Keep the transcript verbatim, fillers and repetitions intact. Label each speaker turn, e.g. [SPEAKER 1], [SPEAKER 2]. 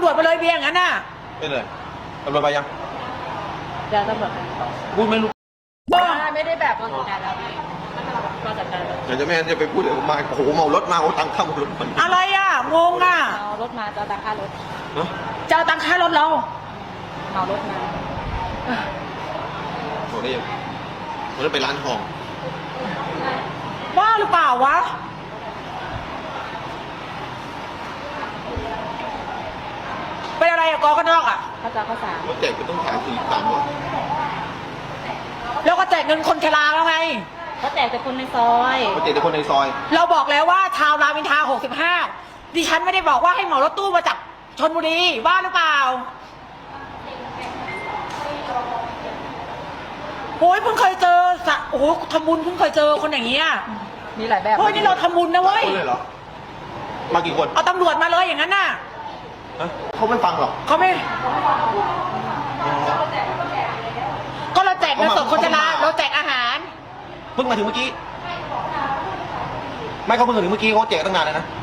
[SPEAKER 1] ำรวจมาเลยเบียร์งั้นน่ะ
[SPEAKER 2] ไม่เลยตำรวจไปยัง
[SPEAKER 3] เดี๋ยวตำรวจ
[SPEAKER 2] พูดไม่รู้
[SPEAKER 3] ไม่ได้แบบมาจัดการแล้วมาจัดการแล้ว
[SPEAKER 2] เดี๋ยวจะไม่งั้นจะไปพูดเดี๋ยวมาโอ้โหเมารถมาเอาตังค์เข้ารถมัน
[SPEAKER 1] อะไรอ่ะงงอ่ะ
[SPEAKER 3] เมารถมาจะตังค่ารถ
[SPEAKER 1] จะตังค่ารถเรา
[SPEAKER 3] เมารถมา
[SPEAKER 2] บอกได้ยังมันไปร้านทอง
[SPEAKER 1] ว่าหรือเปล่าวะเป็นอะไรอะกอกันนอกอะ
[SPEAKER 3] ข้าวจ้าข้าวสาร
[SPEAKER 2] รถแจกก็ต้องขายสี่สามร้อย
[SPEAKER 1] แล้วก็แจกเงินคนชราแล้วไง
[SPEAKER 3] เขาแจกแต่คนในซอย
[SPEAKER 2] เขาแจกแต่คนในซอย
[SPEAKER 1] เราบอกแล้วว่าชาวรามอินทราหกสิบห้าดิฉันไม่ได้บอกว่าให้เหมารถตู้มาจากชลบุรีว่าหรือเปล่าโอ้ยเพิ่งเคยเจอสะโอ้โหทำบุญเพิ่งเคยเจอคนอย่างเงี้ย
[SPEAKER 3] มีหลายแบบ
[SPEAKER 1] เฮ้ยนี่เราทำบุญนะเว้ย
[SPEAKER 2] เลยเหรอมากี่คน
[SPEAKER 1] เอาตำรวจมาเลยอย่างนั้นน่ะ
[SPEAKER 2] เขาไม่ฟังหรอก
[SPEAKER 1] เขาไม่ก็เราแจกเงินสดคนชราเราแจกอาหาร
[SPEAKER 2] เพิ่งมาถึงเมื่อกี้ไม่เขาเพิ่งมาถึงเมื่อกี้เขาแจกตั้งนานแล้วนะ